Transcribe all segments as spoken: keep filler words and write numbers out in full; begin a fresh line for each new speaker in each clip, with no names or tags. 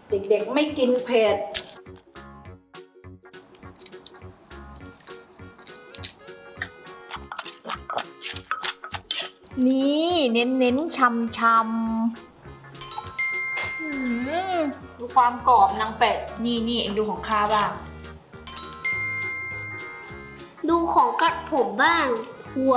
เด็กๆไม่กินเผ็ด
นี่เน้นเน้นชำชำดูความกรอบนางเป็ดนี่นี่เองดูของข้าบ้าง
ดูของกัดผมบ้างหัว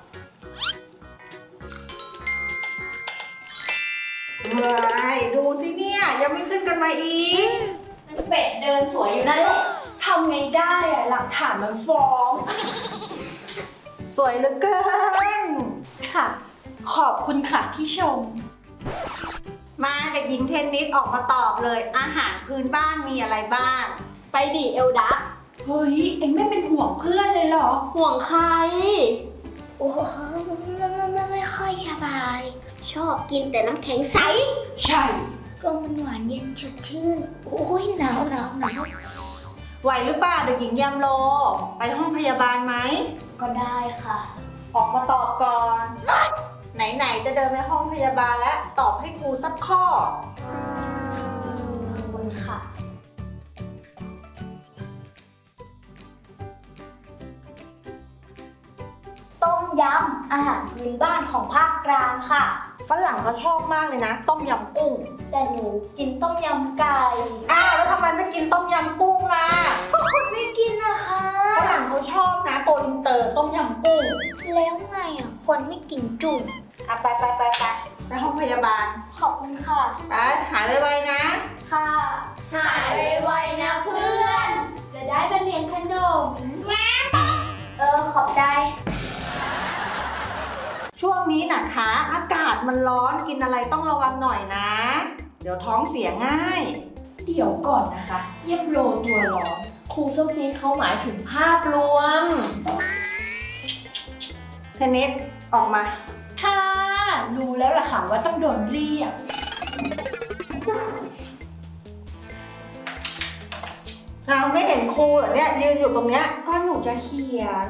ว้ายดูสิเนี่ยยังไม่ขึ้นกันมาอีก
นางเป็ดเดินสวยอยู่นั่นแหละทำไงได้อะหลักฐานมันฟ้อง
สวยเหลือเกิน
ค่ะ ขอบคุณค่ะที่ชม
มาเด็กหญิงเทนนิสออกมาตอบเลยอาหารพื้นบ้านมีอะไรบ้าง
ไปดิเอลดักเฮ้ยเอ็งไม่เป็นห่วงเพื่อนเลยเหรอห่วงใคร
โอ้ไม่ไม่ไม่ไม่ค่อยสบาย ชอบกินแต่น้ำแข็งใส
ใช่
ก็มันหวานเย็นสดชื่น โอ้ยหนาวหนาวหนาว
ไหวหรือเปล่าเด็กหญิงยามโล ไปห้องพยาบาลไหม
ก็ได้ค่ะ
ออกมาตอบก่อน ไหนๆจะเดินไปห้องพยาบาลแล้วตอบให้ครูสักข้อ
ขอบคุณค่ะ ต้มยำอาหารพื้นบ้านของภาคกลางค่ะ
ฝรั่งเขาชอบมากเลยนะ ต้มยำกุ้ง
แต่หนูกินต้มยำไก่
อ้าวแล้วทำไมไม่กินต้มยำกุ้งล่ะ
ก็คนไม่กินนะคะ
ฝรั่งเขาชอบนะโกอินเตอร์ต้มยำกุ้ง
แล้วไงอ่ะ คนไม่กินจุ่ม
อ่ะไปไปไปไปไปห้องพยาบาล
ขอบคุณค่ะ
ไปหายไวๆนะ
ค่ะ หายไวๆนะเพื่อน
จะได้มาเรียนขนม
เออ ขอบใจ
ช่วงนี้นะคะอากาศมันร้อนกินอะไรต้องระวังหน่อยนะ เดี๋ยวท้องเสียง่าย
เดี๋ยวก่อนนะคะเยี่ยมโลตัวร้อนครูส้มจีนเขาหมายถึงภาพรวม
เทนนิสออกมา
ค่ะรู้แล้วล่ะค่ะว่าต้องโดนเรียก
เราไม่เห็นครูเหรอเนี่ยยืนอยู่ตรงเนี้ย
ก็หนูจะเขียน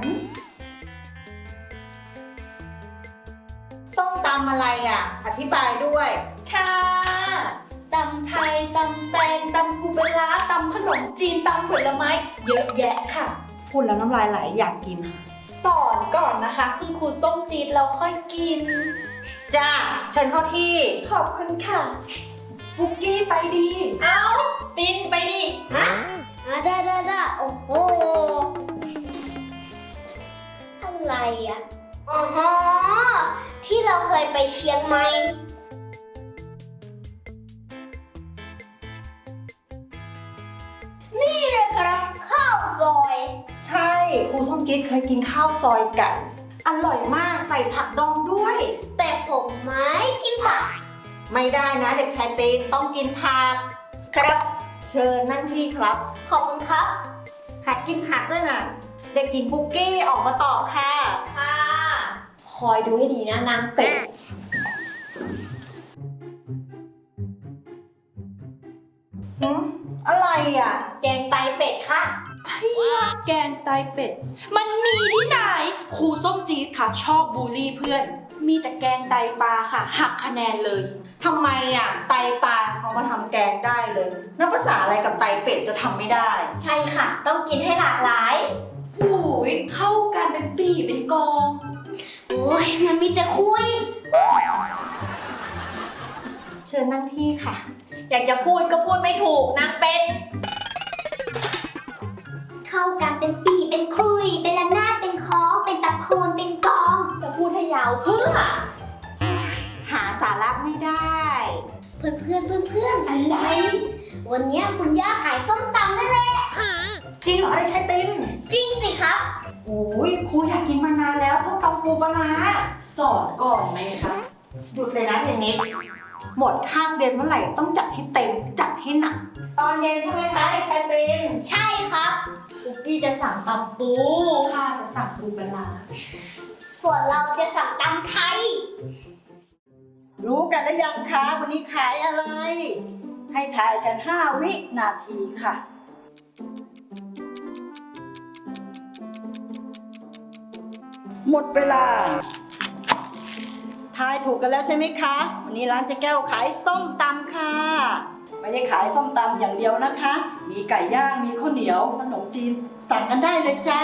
ส้มตำอะไรอ่ะ อธิบายด้วย
ค่ะตำไทยตำแตงตำปูปลาร้าตำขนมจีนตำผลไม้เยอะแยะค่ะ
พูดแล้วน้ำลายไหลอยากกิน
สอนก่อนนะคะคุณครูส้มจีนเราค่อยกิน
จ้าเชิญเข้าที่
ขอบคุณค่ะปุกกี้ไปดี เอาตินไปดิ
ฮะอ่ะได้ได้ได้โอ้โห อะไรอ่ะ อ๋อ ที่เราเคยไปเชียงใหม่ นี่เลยครับข้าวซอย
ใช่ครูส้มจี๊ดเคยกินข้าวซอยไก่อร่อยมากใส่ผักดองด้วย
แต่ผมไม่กินผัก
ไม่ได้นะเด็กชายตีนต้องกินผักครับ เชิญนั่งที่ครับ
ขอบคุณครับ
หัดกินผักด้วยนะเด็กหญิงปุกกี้ออกมาตอบค่ะ
ค่ะ คอยดูให้ดีนะนางเป็ด
หืมอะไรอ่ะ
แกงไตเป็ดค่ะไอ้ยาแกงไตเป็ด มันมีที่ไหน ครูส้มจี๊ดค่ะ ชอบบูลลี่เพื่อน มีแต่แกงไตปลาค่ะ หักคะแนนเลย
ทำไมอ่ะ ไตปลาเอามาทำแกงได้เลยนับภาษาอะไรกับไตเป็ดจะทำไม่ได้
ใช่ค่ะ ต้องกินให้หลากหลายโอ้ยเข้ากันเป็นปีเป็นกอง
โอ้ยมันมีแต่คุย
เชิญนั่งที่ค่ะ
อยากจะพูดก็พูดไม่ถูกนางเป็ด
เข้ากันเป็นปีเป็นคุย เป็นระนาดเป็นคล้องเป็นตะโคนเป็นกอง
จะพูดให้ยาวเพื่อ
หาสาระไม่ได้
เพื่อนเพื่อนเพื่อนเพื่อน
อะไร
วันเนี้ยคุณย่าขายส้มตำนั่นแหละ
จริงเหรอเด็กชายติน
จริงสิครับ
โอ้ยครูอยากกินมานานแล้วส้มตำปูปลาร้า
สอนก่อนไหมคะ
หยุดเลยนะเทนนิสหมดข้ามเดือนเมื่อไหร่ต้องจัดให้เต็มจัดให้หนัก ตอนเย็นใช่ไหมคะเด็กชายติน
ใช่ครับ
คุกกี้จะสั่งตำปูข้าจะสั่งปูปลาร้า
ส่วนเราจะสั่งตำไทย
รู้กันหรือยังคะวันนี้ขายอะไร ให้ถ่ายกันห้าวินาทีค่ะ หมดเวลา ทายถูกกันแล้วใช่ไหมคะ วันนี้ร้านเจ๊แก้วขายส้มตำค่ะ ไปไม่ได้ขายส้มตำอย่างเดียวนะคะ มีไก่ย่างมีข้าวเหนียวขนมจีนสั่งกันได้เลยจ้า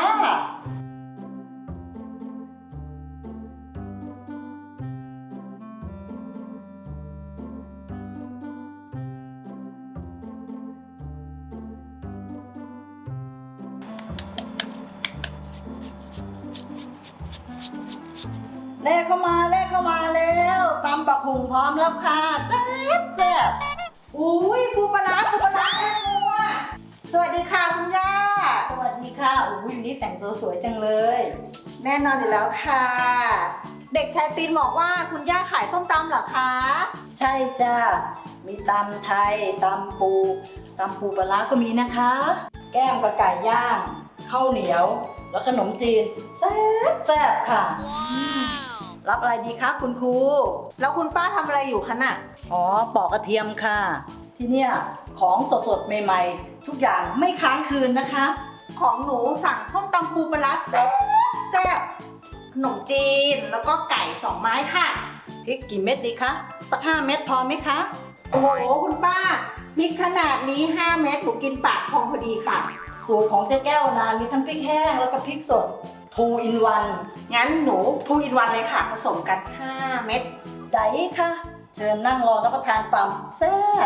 เลขเข้ามาเลขเข้ามาแล้วตำบักหุ่งพร้อมแล้วค่ะแซ่บแซ่บ
อุ้ยปูปลาร้าปูปลาร้าแม่ครัวสวัสดีค่ะคุณย่า
สวัสดีค่ะอุ้ยวันนี้แต่งตัวสวยจังเลย
แน่นอนอยู่แล้วค่ะ เด็กชายตีนบอกว่าคุณย่าขายส้มตำเหรอคะ
ใช่จ้ามีตำไทยตำปูตำปูปลาร้าก็มีนะคะ แก้มกับไก่ย่างข้าวเหนียว แล้วขนมจีนแซ่บแซ่บค่ะ รับอะไรดีคะคุณครู
แล้วคุณป้าทำอะไรอยู่คะน่ะ
อ๋อปอกกระเทียมค่ะ ที่เนี่ยของสดๆใหม่ๆ ทุกอย่างไม่ค้างคืนนะคะ
ของหนูสั่งส้มตำปูปลาร้าแซ่บแซ่บขนมจีนแล้วก็ไก่สองไม้ค่ะ
พริกกี่เม็ดดีคะ สักห้าเม็ดพอไหมคะ
โอ้โหคุณป้าพริกขนาดนี้ห้าเม็ดหนูกินปากพองพอดีค่ะ
สูตรของเจ๊แก้วนะมีทั้งพริกแห้งแล้วก็พริกสด ทูอินวัน
งั้นหนูทูอินวันเลยค่ะ ผสมกันห้าเม็ด
ไดค่ะ เชิญนั่งรอรับประทานความแซ่บ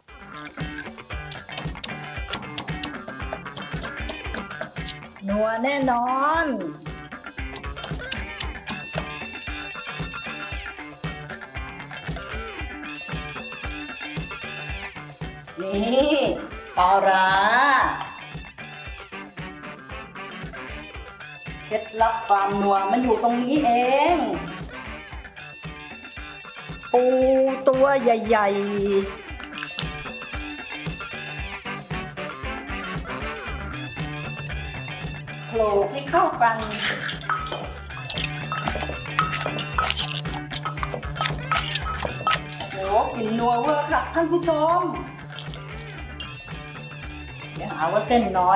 นัวแน่นอน นี่ปลาร้าเคล็ดลับความนัวมันอยู่ตรงนี้เอง ปูตัวใหญ่ๆโขลกให้เข้ากันโอ้โหกลิ่นนัวเวอร์ค่ะท่านผู้ชม เดี๋ยวหาว่าเส้นน้อย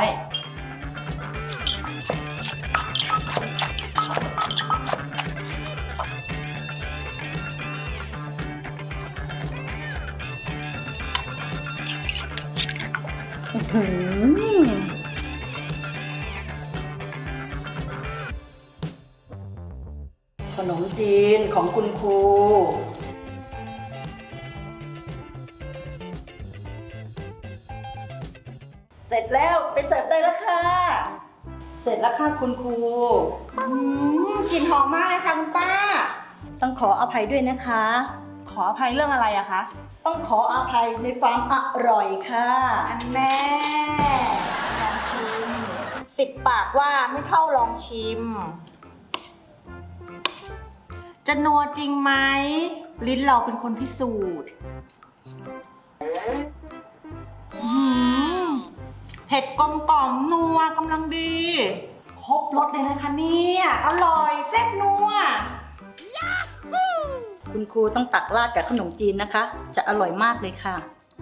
อื้อหือขนมจีนของคุณครู เสร็จแล้วไปเสิร์ฟได้แล้วค่ะ เสร็จแล้วค่ะคุณครู
อืมกลิ่นหอมมากเลยค่ะคุณป้า
ต้องขออภัยด้วยนะคะ
ขออภัยเรื่องอะไรอะคะ
ต้องขออภัยในความอร่อยค่ะ
อันแน่ลองชิมสิบปากว่าไม่เท่าลองชิม จะนัวจริงไหมลิ้นเราเป็นคนพิสูจน์อื้อหือเผ็ดกลมกล่อมนัวกำลังดี ครบรสเลยนะคะเนี่ยอร่อยแซ่บนัว
คุณครูต้องตักราดกับขนมจีนนะคะ จะอร่อยมากเลยค่ะ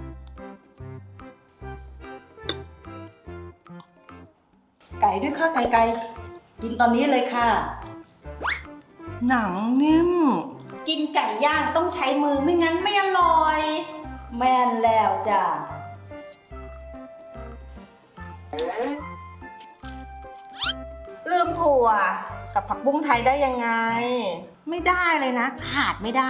ไก่ด้วยค่ะไก่ไก่กินตอนนี้เลยค่ะ
หนังนิ่ม กินไก่ย่างต้องใช้มือไม่งั้นไม่อร่อย
แม่นแล้วจ้ะ
ลืมถั่วกับผักบุ้งไทยได้ยังไง ไม่ได้เลยนะ ขาดไม่ได้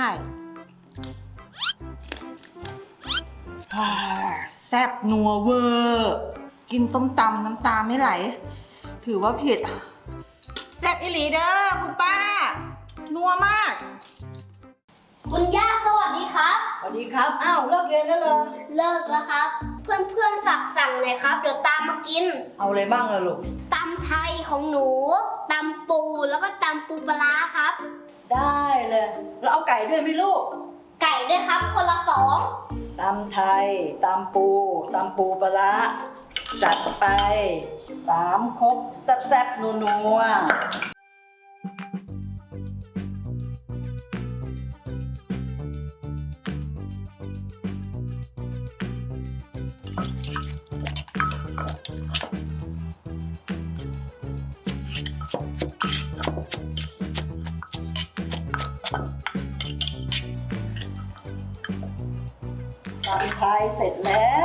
อ่าแซ่บนัวเวอร์กินต้มตำน้ำตาไม่ไหล ถือว่าผิด แซ่บอิหลีเด้อคุณป้า นัวมาก
คุณย่าสวัสดีครับ
สวัสดีครับ อ้าวเลิกเรียนแล้วเหรอ
เลิกแล้วครับ เพื่อนเพื่อนๆฝากสั่งหน่อยครับ เดี๋ยวตามมากิน
เอาอะไรบ้างล่ะลูก
ตำไทยของหนูตำปูแล้วก็ตำปูปลาร้าครับ
ได้เลย แล้วเอาไก่ด้วยไหมลูก
ไก่ด้วยครับคนละสอง
ตำไทยตำปูตำปูปลาร้าจัดไปสามครกแซ่บๆนัวๆตำไทยเสร็จแล้ว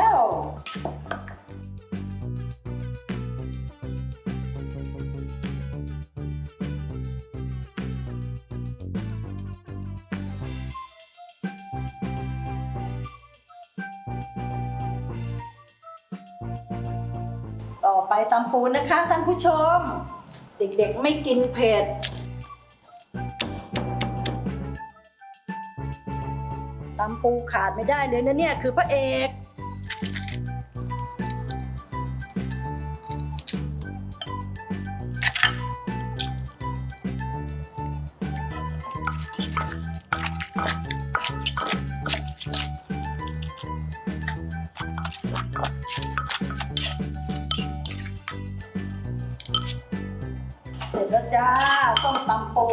ต่อไปตำปูนะคะท่านผู้ชม เด็กๆไม่กินเผ็ดตำปูขาดไม่ได้เลยนะเนี่ยคือพระเอกเสร็จแล้วจ้าส้มตำปู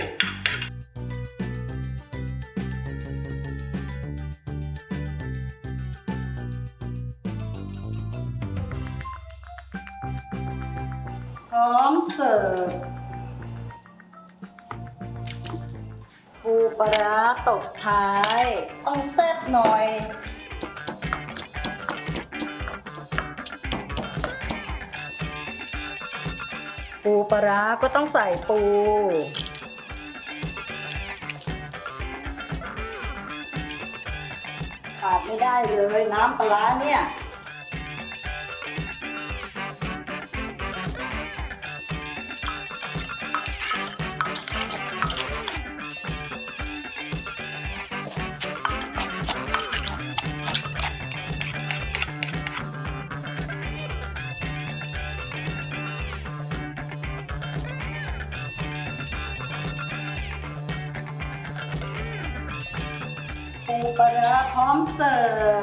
พร้อมเสิร์ฟปูปลาร้าตบท้ายต้องแซ่บหน่อยปูปลาร้าก็ต้องใส่ปูขาดไม่ได้เลยน้ำปลาร้าเนี่ยปูปลาร้าพร้อมเสิร์ฟ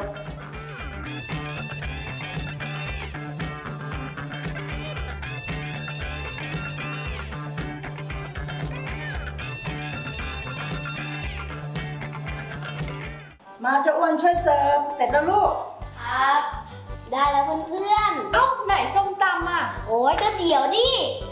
มาเจ้าอ้วนช่วยเสิร์ฟเสร็จแล้วลูก
ครับ ได้แล้วเพื่อน
เอ้าไหนส้มตำอ่ะ
ๆ โอ้ยก็เดี๋ยวดิ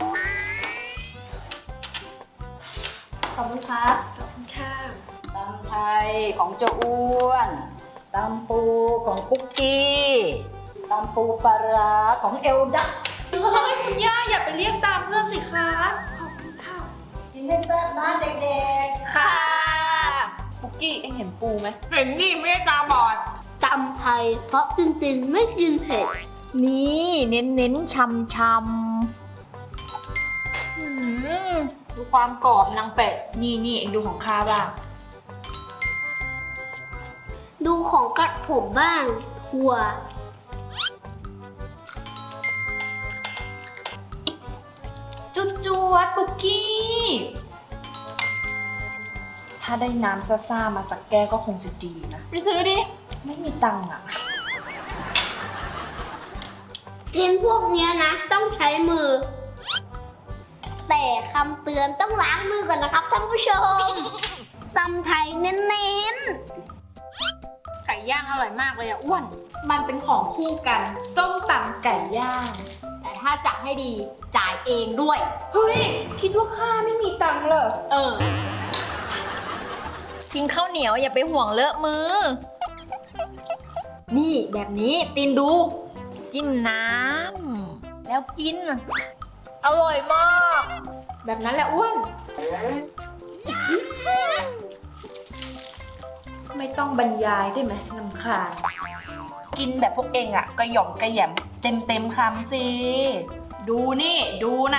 ขอบคุณครับ
ขอบคุณค่ะ
ตำไทยของเจ้าอ้วนตำปูของคุกกี้ตำปูปลาร้าของเอลดัก
เฮ้ยคุณย่าอย่าไปเรียกตามเพื่อนสิคะขอบคุณค่ะ
กินให้แซ่บนะเด็ก
ค่ะปุกกี้เอ็งเห็นปูไหม
เห็นนี่ไม่ได้ตาบอด
ตำไทยเพราะจริงๆไม่กินเผ็ด
นี่เน้นเน้นๆชำชำหืมดูความกรอบนางเป็ด
นี่นี่เอ็งดูของข้าบ้าง
ดูของกัดผมบ้างถั่ว
จุดจวดปุกกี้ ถ้าได้น้ำซ่าๆมาสักแก้วก็คงจะดีนะ
ไปซื้อดิ
ไม่มีตังค์อ่ะ
กินพวกเนี้ยนะ ต้องใช้มือ แต่คำเตือนต้องล้างมือก่อนนะครับท่านผู้ชมตำไทยเน้น
ไก่ย่างอร่อยมากเลยอะอ้วน
มันเป็นของคู่กัน ส้มตำไก่ย่าง
ๆ แต่ถ้าจะให้ดีจ่ายเองด้วย
เฮ้ย คิดว่าข้าไม่มีตังค์เหรอ
เออ
กินข้าวเหนียวอย่าไปห่วงเลอะมือ นี่แบบนี้ตีนดู จิ้มน้ำแล้วกิน อร่อยมาก
แบบนั้นแหละอ้วน ไม่ต้องบรรยายได้ไหมนำคาญกินแบบพวกเองอะกระหย่อมกระแหยมเต็มเต็มๆคำสิ ดูนี่ดูนะ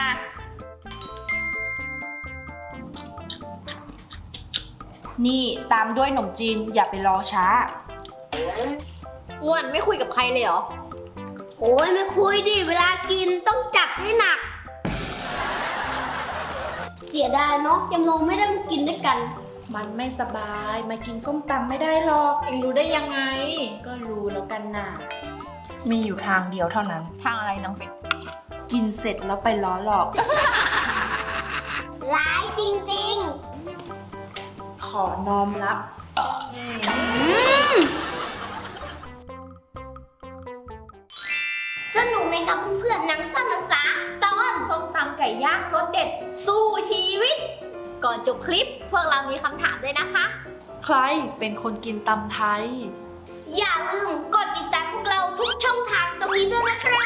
นี่ตามด้วยขนมจีนอย่าไปรอช้า
อ้วนไม่คุยกับใครเลยเหรอ
โอ้ยไม่คุยดิ เวลากินต้องจัดให้หนัก เสียดายเนาะยังลงไม่ได้มากินด้วยกัน
มันไม่สบายมากินส้มตำไม่ได้หรอก
เองรู้ได้ยังไง
ก็รู้แล้วกันนะมีอยู่ทางเดียวเท่านั้น
ทางอะไรนางเป็ด
กินเสร็จแล้วไปล้อหลอก
ร้ายจริง
ขอน้อมรับ
ๆ สนุกไหมครับเพื่อนๆหนังสั้นภาษาตอน
ส้มตำไก่ย่างรสเด็ด สู้ชีวิต ก่อนจบคลิปพวกเรามีคำถามด้วยนะคะ
ใครเป็นคนกินตำไทย
อย่าลืมกดติดตามพวกเราทุกช่องทางตรงนี้ด้วยนะครับ